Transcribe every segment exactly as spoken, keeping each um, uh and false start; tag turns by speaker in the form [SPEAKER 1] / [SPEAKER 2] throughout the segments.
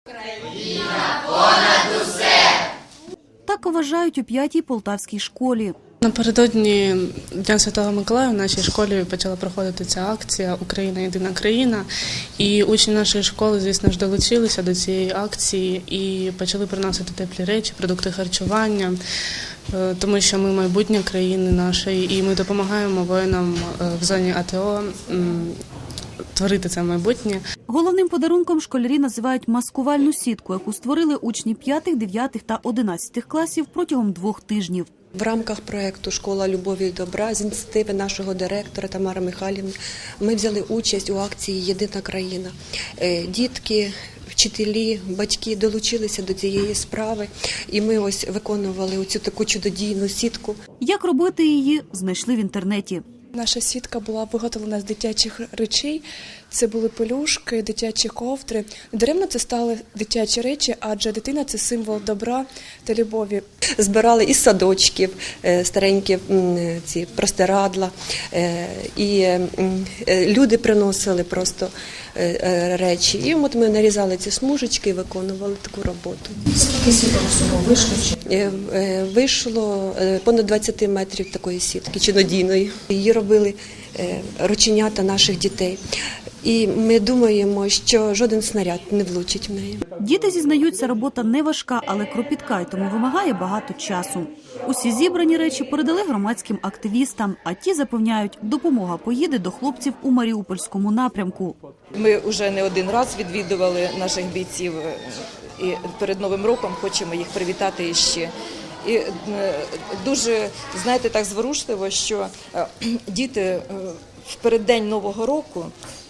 [SPEAKER 1] Україна понад усе!
[SPEAKER 2] Так вважають у п'ятій полтавській школі.
[SPEAKER 3] Напередодні Дня Святого Миколая в нашій школі почала проходити ця акція «Україна – єдина країна». І учні нашої школи, звісно ж, долучилися до цієї акції і почали приносити теплі речі, продукти харчування, тому що ми майбутнє країни нашої і ми допомагаємо воїнам в зоні АТО творити це майбутнє.
[SPEAKER 2] Головним подарунком школярі називають маскувальну сітку, яку створили учні п'ятих, дев'ятих та одинадцятих класів протягом двох тижнів.
[SPEAKER 4] В рамках проєкту «Школа любові і добра» з ініціативи нашого директора Тамари Михайлівни ми взяли участь у акції «Єдина країна». Дітки, вчителі, батьки долучилися до цієї справи, і ми ось виконували оцю таку чудодійну сітку.
[SPEAKER 2] Як робити її, знайшли в інтернеті.
[SPEAKER 5] Наша сітка була виготовлена з дитячих речей. Це були пелюшки, дитячі ковдри. Даремно це стали дитячі речі, адже дитина – це символ добра та любові.
[SPEAKER 4] Збирали із садочків старенькі ці простирадла, і люди приносили просто речі. І от ми нарізали ці смужечки і виконували таку роботу.
[SPEAKER 1] Скільки сіток всього вийшло?
[SPEAKER 4] Вийшло понад двадцять метрів такої сітки, чинодійної. Її робили рученята наших дітей. І ми думаємо, що жоден снаряд не влучить в неї.
[SPEAKER 2] Діти зізнаються, робота не важка, але кропітка, і тому вимагає багато часу. Усі зібрані речі передали громадським активістам, а ті запевняють, допомога поїде до хлопців у Маріупольському напрямку.
[SPEAKER 6] Ми вже не один раз відвідували наших бійців і перед Новим роком хочемо їх привітати іще. І дуже, знаєте, так зворушливо, що діти в переддень Нового року,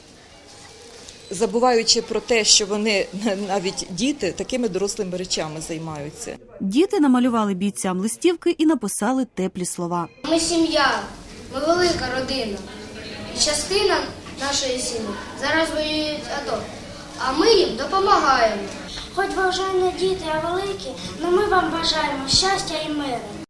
[SPEAKER 6] забуваючи про те, що вони, навіть діти, такими дорослими речами займаються.
[SPEAKER 2] Діти намалювали бійцям листівки і написали теплі слова.
[SPEAKER 7] Ми сім'я, ми велика родина. І частина нашої сім'ї зараз воюють АТО, а ми їм допомагаємо.
[SPEAKER 8] Хоч ви вже не діти, а великі, але ми вам бажаємо щастя і миру.